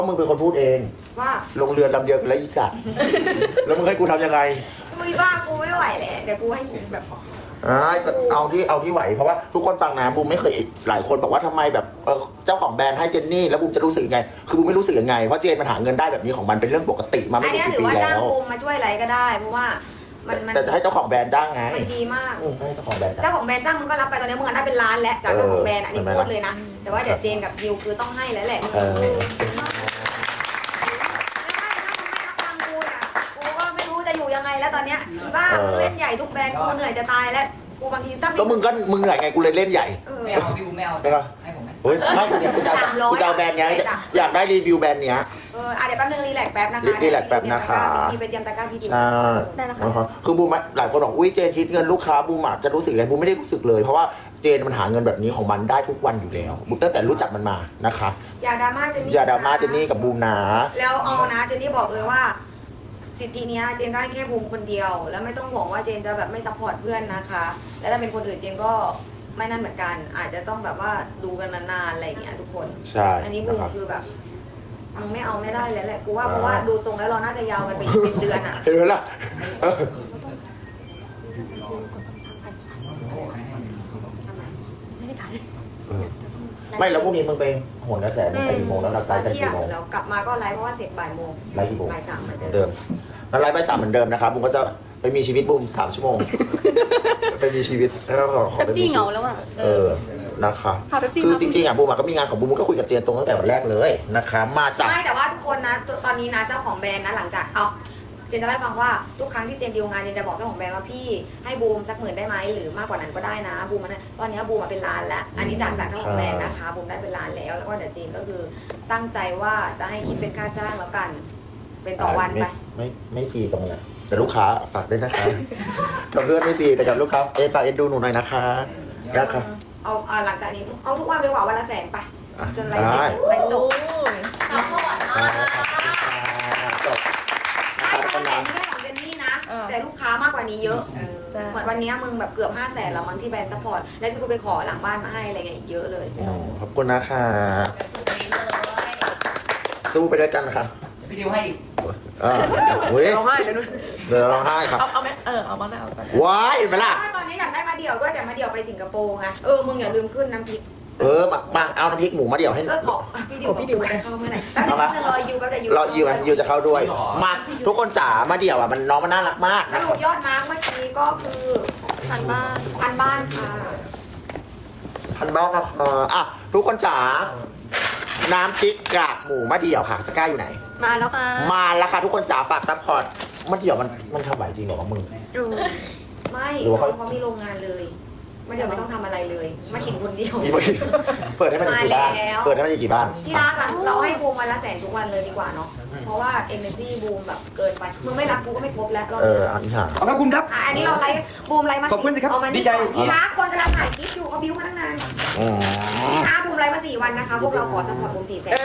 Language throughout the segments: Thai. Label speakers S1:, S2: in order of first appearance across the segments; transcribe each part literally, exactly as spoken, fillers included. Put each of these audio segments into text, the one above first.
S1: ก็มึงเป็นคนพูดเอง
S2: ว่า
S1: ลงเรือลำเดียวกันแล้วอีสัตว์ แล้วมึงให้กูทำยังไง
S2: กูบ้ากูไม่ไหวแหละเดี๋ยวกูให้แบบ
S1: อ่าเอาที่เอาที่ไหวเพราะว่าทุกคนฟังนะบูมไม่เคยหลายคนบอกว่าทำไมแบบเออเจ้าของแบรนด์ให้เจนนี่แล้วบูมจะรู้สึกยังไงคือบูมไม่รู้สึกยังไงเพราะเจนมันหาเงินได้แบบนี้ของมันเป็นเรื่องปกติมาไม่กี่ปีแล้วอันนี้ถือว่าจ้าง
S2: บูมมาช่วยอะไรก็ได้เพราะว่ามัน
S1: แต่จะให้เจ้าของแบรนด์จ้างไง
S2: มันดีมาก
S1: ให้เจ้าของแบรนด์
S2: เจ้าของแบรนด์จ้างมันก็รับไปตอนนี้มึงได้เป็นล้านแล้วจากเจ้าของแบรนด์อันนี้พูดเลยนะแต่ว่าเดี๋ยวเจนกับยิวคือต้องให้แล้วแหละ
S1: เออ
S2: ยังไงแล้วตอนเนี้ยอีบ้าเล่นใหญ่ทุกแบรนด์กูเหนื่อยจะตายแล้วกูบางทีตั้ง
S1: ก็มึงก็มึงเหนื่อยไงกูเลยเล่นใหญ่
S3: ไม่เอาพี่บูมไม่เอาให้ผมไหม
S1: เฮ้ยไม่กูเนี่ยกูจะกูจะเอาแบรนด์เนี้ยอยากได้รีวิวแบรนด์เนี้ย
S2: เอออ่ะเดี๋ยวแป๊บนึงรีแลกแป๊บนะคะ
S1: รีแลกแป๊บนะคะ
S2: มีเป็นยำตะก้าพี่ดิ
S1: ใช่ได้นะคะคือบูมหลายคนบอกอุ้ยเจนคิดเงินลูกค้าบูมจะรู้สึกอะไรบูมไม่ได้รู้สึกเลยเพราะว่าเจนมันหาเงินแบบนี้ของมันได้ทุกวันอยู่แล้วบูมตั้งแต่รู้จักมันมานะคะ
S2: อย่าดราม่าเจนนี่
S1: อย่าดราม่าเจนนี่กับบูมนะ
S2: แล้วเอานะเจนนี่บอกเลยว่าสิทธินี้เจนได้แค่บูมคนเดียวแล้วไม่ต้องห่วงว่าเจนจะแบบไม่ซัพพอร์ตเพื่อนนะคะแล้วถ้าเป็นคนอื่นเจนก็ไม่นั่นเหมือนกันอาจจะต้องแบบว่าดูกันนานๆอะไรอย่างเงี้ยทุกคน
S1: ใช่
S2: อันนี้บูมคือแบบมึงไม่เอาไม่ได้แล้วแหละกูว่าเพราะว่าดูทรงแล้วเราน่าจะยาวกันไปอีกเป็นเดือนอ่ะ
S1: เห็นไหมล่ะไม่แล้วพรุ่งนี้มึงไปโหนกระแสมึงไปกี่โมงแล้วเราไลฟ์กันกี่โมง
S2: แล้วกลับมาก็ไลฟ์เพราะว่าเสร็จบ่ายโมง
S1: ไลฟ์กี่โมง
S2: บ่ายสามเหมือน
S1: เดิมแล้วไลฟ์บ่ายสามเหมือนเดิมนะครับบูมก็จะไปมีชีวิตบูมสามชั่วโมงไปมีชีวิตแล้วก็ขอไปมี
S4: ชีวิตเหงาแล้วอ่ะ
S1: เออนะคะคือจริงๆอ่ะบูมก็มีงานของบูมก็คุยกับเจนตรงตั้งแต่วันแรกเลยนะคะมาจาก
S2: ไม่แต่ว่าทุกคนนะตอนนี้นะเจ้าของแบรนด์นะหลังจากเอาเจนจะได้ฟังว่าทุกครั้งที่เจนดีลงานเจนจะบอกเจ้าของแบรนด์ว่าพี่ให้บูมสักหมื่นได้ไหมหรือมากกว่านั้นก็ได้นะบูมมันตอนนี้บูมมาเป็นล้านแล้วอันนี้จากจากเจ้าของแบรนด์นะคะบูมได้เป็นล้านแล้วแล้วก็เดี๋ยวเจนก็คือตั้งใจว่าจะให้คิดเป็นค่าจ้างแล้วกันเป็นต่อวันไป
S1: ไม่ไม่ฟรีกับเนี่ยแต่ลูกค้าฝากด้วยนะคะกับเพื่อนไม่ฟรีแต่กับลูกค้าเอฝากเอ็นดูหนูหน่อยนะคะนะคะ
S2: เอาหลังจากนี้เอาทุกวันไปหว่าวันละแสนไปจนไรเสร็จไรจบ
S4: สาวหวานมาก
S1: จบ
S2: ไม่ใช่ของเจนนี่นะแต่ลูกค้ามากกว่านี้เยอะเหมือนวันนี้มึงแบบเกือบห้าแสนแล้วมั้งที่แบรนด์ซัพพอร์ตแล้วที่กูไปขอหลังบ้านมาให้อะไรเงี้ยเยอะเลย
S1: ขอบคุณนะคะสู้ไปด้วยกันค่ะ
S3: พี่ดิวให้อีก
S1: เออเฮ้ย
S4: ร้องไห้เลยนุ้ย
S1: เดี๋ยวร้องไห้ครับ
S4: เอาเอาไหมเออเอามาแล้ว
S1: ว้ายเห็นไหมล่ะ
S2: ตอนนี้อยากได้มาเดี่ยวด้วยแต่มาเดี่ยวไปสิงคโปร์ไงเออมึงอย่าลืมขึ้นน้ำพริก
S1: เออมามาเอาน้ำพริกหมูมาเดี่ยวให้
S2: เออขอพี่ดิวพี่ดิวจะเข้าเมื่อไหร่แป๊บนึงรอยูแป๊บเดียวยู
S1: รอยูอ่ะยูจะเข้าด้วยมาทุกคนจ๋ามาเดี่ยวอ่ะมันน้องมันน่ารักมาก
S2: สรุปยอดมาร์กเมื่อกี้ก็คือพันบ้านพันบ้านค่ะ
S1: พันบ้านนะคะอ่ะทุกคนจ๋าน้ำพริกกากหมูมะเดี่ยวค่ะตะกร้าอยู่ไหน
S4: มาแล้วค่ะ
S1: มาแล้วค่ะทุกคนจ๋าฝากซัพพอร์ตมะเดี่ยวมันมันทำไหวจริงเหรอมึง
S2: ไม่เขามีโรงงานเลยมะเดี่ยวไม่ต้องทำอะไรเลยมาขิงคนเดียว
S1: เปิดให้มันกี่บ้านเปิดให้มันกี่บ้าน
S2: ที่รักเราให้บูมวันละแสนทุกวันเลยดีกว่าเนาะเพราะว่า energy บูมแบบเกินไปมึงไม่รักกูก็ไม่ครบแล้ว
S1: เอออันนี้ค่ะ
S3: ขอบคุณครับ
S2: อันนี้เราไลฟ์บูมไลฟ์มา
S3: ขอบคุณครับดีใจ
S2: ที่รักคนกำลังถ่ายคลิปอยู่เขาบิ้วมาตั้งนานที่รักบูมไลฟ์มาสี่วันนะคะพวกเราขอซัพพอร์ตบูมสี่แสน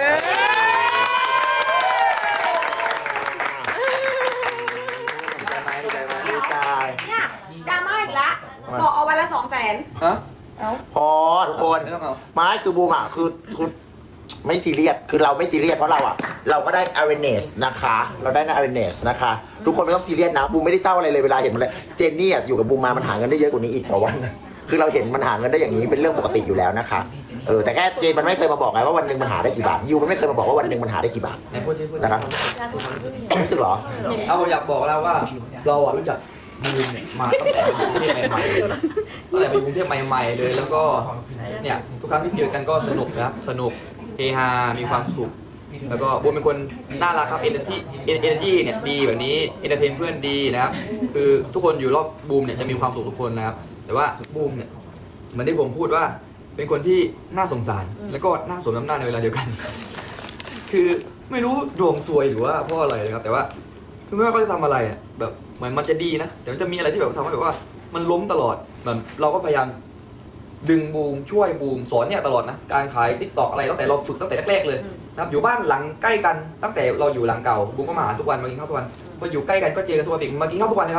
S2: เนี่ยดราม่าอีกแล้วบอกเอาวันละสองแสน
S1: พอทุกคนไม่คือบูมอ่ะคือคือไม่ซีเรียสคือเราไม่ซีเรียสเพราะเราอ่ะเราก็ได้ awareness นะคะเราได้ awareness นะคะทุกคนไม่ต้องซีเรียสนะบูมไม่ได้เศร้าอะไรเลยเวลาเห็นมันเลยเจนนี่อยู่กับบูมมามันหาเงินได้เยอะกว่านี้อีกต่อวันคือเราเห็นมันหาเงินได้อย่างนี้เป็นเรื่องปกติอยู่แล้วนะคะเออแต่แค่เจนมันไม่เคยมาบอกไงว่าวันหนึ่งมันหาได้กี่บาทยูมันไม่เคยมาบอกว่าวันหนึ่งมันหาได้กี่บาทนะครับรู้สึกหรอ
S3: เอาอยากบอกแล้วว่าเราอ่ะรู้จักบูมมาตั้งแต่อยู่กรุงเทพใหม่ๆตั้งแต่ไปอยู่กรุงเทพใหม่ๆเลยแล้วก็เนี่ยทุกครั้งที่เจอกันก็สนุกนะครับสนุกเฮฮามีความสุขแล้วก็บูมเป็นคนน่ารักครับเอเนอร์จีเอเนอร์จีเนี่ยดีแบบนี้เอนเตอร์เทนเพื่อนดีนะครับคือทุกคนอยู่รอบบูมเนี่ยจะมีความสุขทุกคนนะครับแต่ว่าบูมเนี่ยเหมือนที่ผมพูดว่าเป็นคนที่น่าสงสารแล้วก็น่าสมน้ำหน้าในเวลาเดียวกันคือไม่รู้ดวงซวยหรือว่าเพราะอะไรนะครับแต่ว่าคือไม่ว่าเขาจะทำอะไรอ่ะแบบเหมือนมันจะดีนะแต่มันจะมีอะไรที่แบบทำให้แบบว่ามันล้มตลอดแบบเราก็พยายามดึงบูมช่วยบูมสอนเนี่ยตลอดนะการขายติ๊กต็อกอะไรตั้งแต่เราฝึกตั้งแต่แรกๆเลยนะครับอยู่บ้านหลังใกล้กันตั้งแต่เราอยู่หลังเก่าบูมก็มาหาทุกวันมากินข้าวทุกวันพออยู่ใกล้กันก็เจอกันทุกวันอีกมากินข้าวทุกวันนะครับ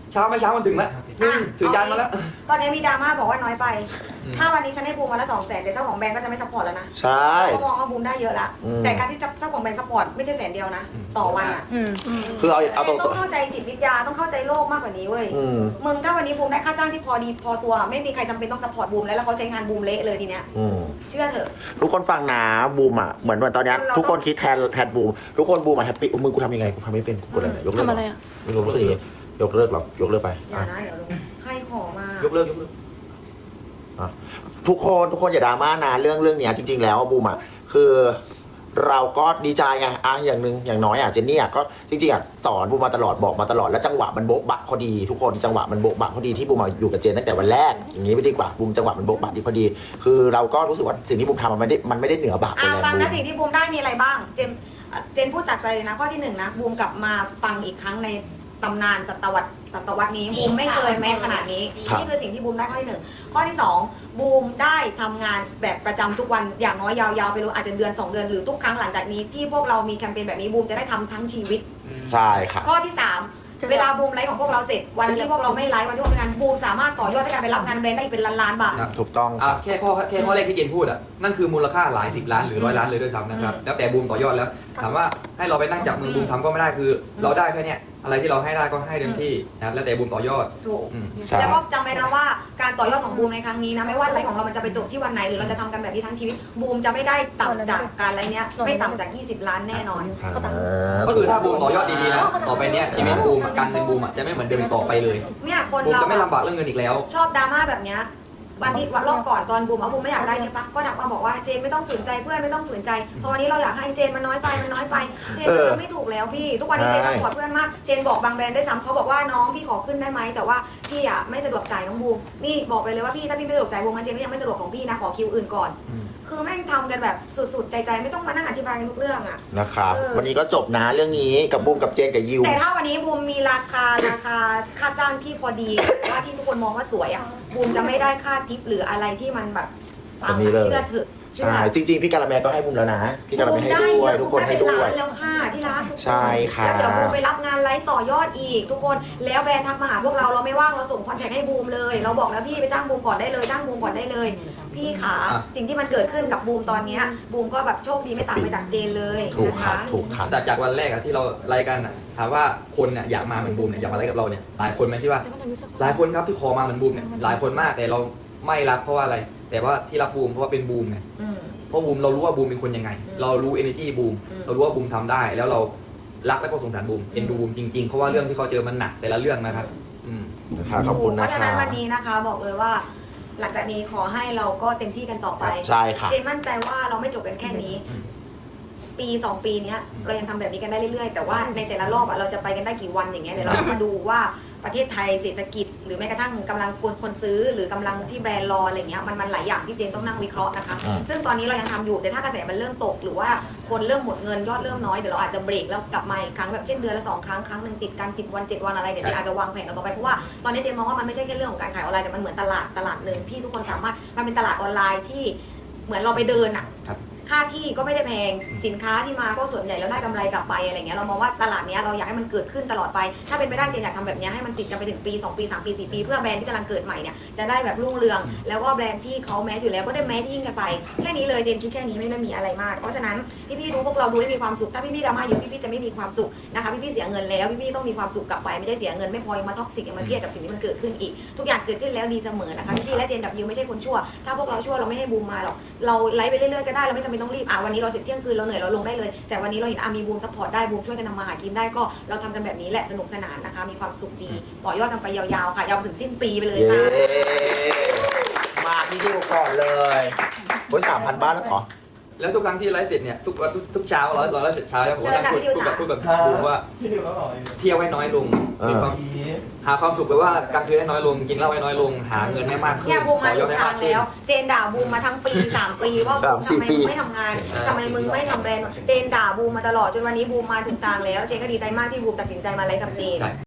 S3: เช้าไม่เช้ามันถึงแล้วนึ่งถือจานมาแล้ว
S2: ตอนนี้มีดราม่าบอกว่าน้อยไป
S3: อืม
S2: ถ้าวันนี้ฉันให้บูมมาละสองแสนเดี๋ยวเจ้าของแบรนด์ก็จะไม่ซัพพอร์ตแล้วนะ
S1: ใช่
S2: เขามองว่าบูมได้เยอะละ
S1: อืม
S2: แต่การที่เจ้าของแบรนด์ซัพพอร์ตไม่ใช่แสนเดียวนะ ต่อวันอ่ะ
S4: อืม
S1: คือเอาเอาตรง
S2: ต้องเข้าใจจิตวิทยาต้องเข้าใจโลกมากกว่านี้เว้ย
S1: ๆอืม
S2: มึงถ้าวันนี้บูมได้ค่าจ้างที่พอดีพอตัว ไม่มีใครจำเป็นต้องซัพพอร์ตบูมแล้วแล้วเขาใช้งานบูมเละเลยทีเนี้ย
S1: อืม
S2: เชื่อเถอะ
S1: ทุกคนฟังนะบูมอ่ะเหมือนวันตอนเนี้ย
S2: เรา
S1: ทุกคนคิดแทนแทนบูมทุกคนบูมอ่ะแฮปปี้มึงกูทำยังไงกูทำไม่เป็นกูกดอะไรยกเลิก
S4: ทำอะไรอ่ะ
S1: ไม่รู้รู้สึกยังไงยกเลิกหรอยกเลิกไป
S2: อย่านะเดี๋ยวลงใครขอมาย
S3: กเลิกยกเลิก
S1: อ่ะทุกคนทุกคนอย่าดราม่านะเรื่องเรื่องเนี้ยจริง ๆ แล้วอะบูมอ่ะคือเราก็ดีใจไงอ่ะอย่างหนึ่งอย่างน้อยอ่ะเจนนี่อ่ะก็จริงๆอ่ะสอนบูมมาตลอดบอกมาตลอดแล้วจังหวะมันโบ๊ะบะพอดีทุกคนจังหวะมันโบ๊ะบะพอดีที่บูมมาอยู่กับเจนตั้งแต่วันแรกอย่างนี้ไม่ดีกว่าบูมจังหวะมันโบ๊ะบะดีพอดี คือเราก็รู้สึกว่าสิ่งที่บูมทำมันไม่ได้มันไม่ได้เหนือบาปไป
S2: อ่า
S1: แล้ว
S2: ฟัง
S1: บู
S2: นะ
S1: ม
S2: สิ่งที่บูมได้มีอะไรบ้าง เจมอ่ะเจนพูดจากใจเลยนะข้อที่หนึ่งนะบูมกลับมาฟังอีกครั้งในตำนานศตวรรษศตวรรษนี้บูมไม่เคยแม้ขนาดนี้
S1: ครับ
S2: นี่คือสิ่งที่บูมได้ข้อที่หนึ่งข้อที่สองบูมได้ทำงานแบบประจำทุกวันอย่างน้อยยาวๆไปเลยอาจจะเดือนสองเดือนหรือทุกครั้งหลังจากนี้ที่พวกเรามีแคมเปญแบบนี้บูมจะได้ทำทั้งชีวิต
S1: ใช่ค่ะ
S2: ข้อที่สามเวลาบูมไลฟ์ของพวกเราเสร็จวันที่พวกเราไม่ไลฟ์วันที่พวกเราทำงานบูมสามารถต่อยอดในการไปรับงานแบรนด์ได้เป็นล้านๆบาท
S3: ครับ
S1: ถูกต้อง
S3: อ่ะ
S1: ค่ะ
S3: แค่ข้อแค่ข้อแรกที่เจนพูดอ่ะนั่นคือมูลค่าหลายสิบล้านหรือร้อยล้านเลยด้วยซ้ำนะครับ
S2: อืม
S3: แล้วแต่บูมต่อยอดแล้วถามว่าให้เราไปนั่งจับมือบูมทำก็ไม่ได้คือ เราได้แค่เนี้ยอะไรที่เราให้ได้ก็ให้เต็มที่นะครับแล้วแต่บูมต่อยอด
S2: ถูก
S3: อืม
S1: ใช่
S2: แล้วก็จำไว้นะว่าการต่อยอดของบูมในครั้งนี้นะไม่ว่าไลฟ์ของเรามันจะไปจบที่วันไหนหรือเราจะทำกันแบบนี้ทั้งชีวิตบูมจะไม่ได้ต่ำจากการไลฟ์เนี้ยไม่ต่ำจากยี่สิบล้านแน่นอน
S3: ก็คือถ้าบูมต่อยอดดีๆนะต่อไปเนี้ยชีวิตบูมอะการเงินบูมอะจะไม่เหมือนเดิมอีกต่อไปเลย
S2: เนี่ยคน
S3: บูม
S2: เรา
S3: จะไม่ลำบากเรื่องเงินอีกแล้ว
S2: ชอบดราม่าแบบเนี้ยวันที่วันรอบก่อนตอนบูมเอาบูมไม่อยากได้ใช่ปะก็ดักมาบอกว่าเจนไม่ต้องฝืนใจเพื่อนไม่ต้องฝืนใจเพราะวันนี้เราอยากให้เจนมันน้อยไปมันน้อยไปเจนมันทำไม่ถูกแล้วพี่ทุกวันนี้เจน
S1: ใช่
S2: สปอร์ตเพื่อนมากเจนบอกบางแบรนด์ได้ซ้ำเขาบอกว่าน้องพี่ขอขึ้นได้ไหมแต่ว่าพี่อ่ะไม่สะดวกจ่ายน้องบูมนี่บอกไปเลยว่าพี่ถ้าพี่ไม่สะดวกจ่ายบูมงั้นเจนก็ยังไม่สะดวกของพี่นะขอคิวอื่นก่อน
S3: อืม
S2: คือแม่งทำกันแบบสุดๆใจๆไม่ต้องมานั่งอธิบายกันทุกเรื่องอ่ะ
S1: นะครับ
S2: เออ
S1: วันนี้ก็จบนะเรื่องนี้กับบูมกับเจนกับยิว
S2: แต่ถ้าวันนี้บูมมีราคาราคาค่าจ้างที่พอดีว่าที่ทุกคนมองว่าสวยอ่ะบูมจะไม่ได้ค่าทิปหรืออะไรที่มันแบบปัง
S1: อันนี้เลย
S2: เชื่อเถอะเชื่อ
S1: ใช่จริงๆ พี่การาแมก็ให้บูมแล้วนะ พี่การาแมให้ด้วยทุกคนให้ด้วย
S2: บูมไเป็นล้านแล้วค่ะที่รักทุกคน
S1: ใช่ค่ะ
S2: แล้วเดี๋ยวบูมไปรับงานไลฟ์ต่อยอดอีก ทุกคนแล้วแบรนด์ทักมาหาพวกเราเราไม่ว่างเราส่งคอนแทคให้บูมเลย เราบอกแล้วพี่ไปจ้างบูมก่อนได้เลยจ้างบูมก่อนได้เลย พี่ขา
S3: อ่ะ
S2: สิ่งที่มันเกิดขึ้นกับบูมตอนเนี้ยบูมก็แบบโชคดีไม่ต่างไปจากเจนเลย
S1: ถูก
S2: นะ
S1: ค่ะ
S2: คะ
S1: ถูกค่ะ
S3: แต่จากวันแรกอะที่เราไล่กันอะถามว่าคนเนี่ยอยากมาเหมือนบูมเนี่ยอยากมาไล่กับเราเนี่ยหลายคนไหมที่ว่า หลายคนครับที่ขอมาเหมือนบูมเนี่ยหลายคนมากแต่เราไม่รับเพราะว่าอะไร แต่ว่าที่รับบูมเพราะว่าเป็นบูมไง
S2: อืม
S3: เพราะบูมเรารู้ว่าบูมเป็นคนยังไง
S2: อืม
S3: เรารู้ energy บูม
S2: อืม
S3: เรารู้ว่าบูมทำได้ แล้วเรารักและก็สงสารบูมเอ็นดูบูมจริงๆเพราะว่าเรื่องที่เขาเจอมันหนักแต่ละเรื่องนะครับอืม
S1: นะคะขอบคุณ
S2: เพ
S1: นะ
S2: ราะฉะ
S1: คะ
S2: นั้นวันนี้นะคะบอกเลยว่า หลังจากนี้ขอให้เราก็เต็มที่กันต่อไป
S1: ใช่ค่ะ
S2: เจนมั่นใจว่าเราไม่จบกันแค่นี้
S3: อืม
S2: ปีสองปีเนี้ย
S3: อืม
S2: เรายังทำแบบนี้กันได้เรื่อยๆ แต่ว่าในแต่ละรอบอะเราจะไปกันได้กี่วันอย่างเงี้ยเดี๋ยวเราจะมาดูว่าประเทศไทยเศรษฐกิจ หรือแม้กระทั่งกำลังคนคนซื้อ หรือกำลังที่แบรนด์รออะไรเงี้ยมันมันหลายอย่างที่เจนต้องนั่งวิเคราะห์นะคะ
S1: อืม
S2: ซึ่งตอนนี้เรายังทำอยู่แต่ถ้ากระแสมันเริ่มตก หรือว่าคนเริ่มหมดเงินยอดเริ่มน้อยเดี๋ยวเราอาจจะเบรกแล้วกลับมาอีกครั้งแบบเช่นเดือนละสองครั้งครั้งหนึ่งติดกันสิบวันเจ็ดวันอะไรเดี๋ยวเจนอาจจะวางแผนเอาต่อไปเพราะว่าตอนนี้เจนมองว่ามันไม่ใช่แค่เรื่องของการขายออนไลน์แต่มันเหมือนตลาดตลาดหนึ่งที่ทุกคนสามารถมันเป็นตลาดออนไลน์ที่เหมือนเราไปเดินอะ
S3: ครับ
S2: ค่าที่ก็ไม่ได้แพง
S3: อืม
S2: สินค้าที่มาก็ส่วนใหญ่แล้วได้กำไรกลับไปอะไรเงี้ยเรามองว่าตลาดเนี้ยเราอยากให้มันเกิดขึ้นตลอดไป ถ้าเป็นไปได้เจนอยากทำแบบเนี้ยให้มันติดกันไปถึงปีสองปีสามปีสี่ปีเพื่อแบรนด์ที่กำลังเกิดใหม่เนี่ยจะได้แบบรุ่งเรือง แล้วก็แบรนด์ที่เขาแมสอยู่แล้วก็ได้แมสยิ่งกันไปแค่นี้เลยเจนคิดแค่นี้ไม่ได้มีอะไรมาก เพราะฉะนั้นพี่ๆดูพวกเราดูให้มีความสุขถ้าพี่ๆดราม่าเยอะพี่ๆจะไม่มีความสุขนะคะพี่ๆเสียเงินแล้วพี่ๆต้องมีความสุขกลับไปไม่ได้เสียเงินไม่พอยังมาท็อกซิกยังมาเครียดกับสิ่งที่มันเกิดขึ้นอีกทุกอย่างเกิดขึ้นแล้วดีเสมอนะคะพี่ๆและเจนกับยิวไม่ใช่คนชั่วถ้าพวกเราชั่วเราไม่ให้บูมมาหรอกเราไลฟ์ไปเรื่อยๆก็ได้เราไม่จำเป็นต้องรีบอ่ะวันนี้เราเสร็จเที่ยงคืนเราเหนื่อยเราลงได้เลยแต่วันนี้เราเห็นอามีบูมซัพพอร์ตได้บูมช่วยกันทำมาหากินได้ก็เราทำกันแบบนี้แหละสนุกสนานนะคะมีความสุขดีต่อยอดกันไปยาวๆค่ะยาวถึงสิ้นปีไปเลย
S1: เย้
S2: ค่ะ
S1: มาที่ดิวก่อนเลยโอ้ยสามพันบ้านแล้วเหรอ
S3: แล้วทุกครั้งที่ไลฟ์เสร็จเนี่ยทุกวันทุกทุกเช้าเราเราไลฟ์เสร็จเช้าแล้วผมก็นั่งพูดพูดกับพูดกับบูมว่า
S5: พี่ดิวก็บอกเลย
S3: เที่ยวให้น้อยลง
S1: เออ
S3: มีความหาความสุขไปว่ากลางคืนให้น้อยลงกินเหล้าให้น้อยลงหาเงินให้มากขึ้น
S2: เนี่ยบูมมา
S3: ต่อย
S2: ถู
S3: อด
S2: ก
S3: ให้
S2: ทาม
S3: าง กขึ้น
S2: แล้ว เจนด่าบูมมาทั้งปีสามปีว่าบูม
S1: สามสี่
S2: ทำไม
S1: ปี
S2: มึงไม่ทำงานทำไมมึงไม่ทำแบรนด์เจนด่าบูมมาตลอดจนวันนี้บูมมาถึงกลางแล้วเจนก็ดีใจมากที่บูมตัดสินใจมาไลฟ์กับเจน
S3: ใช่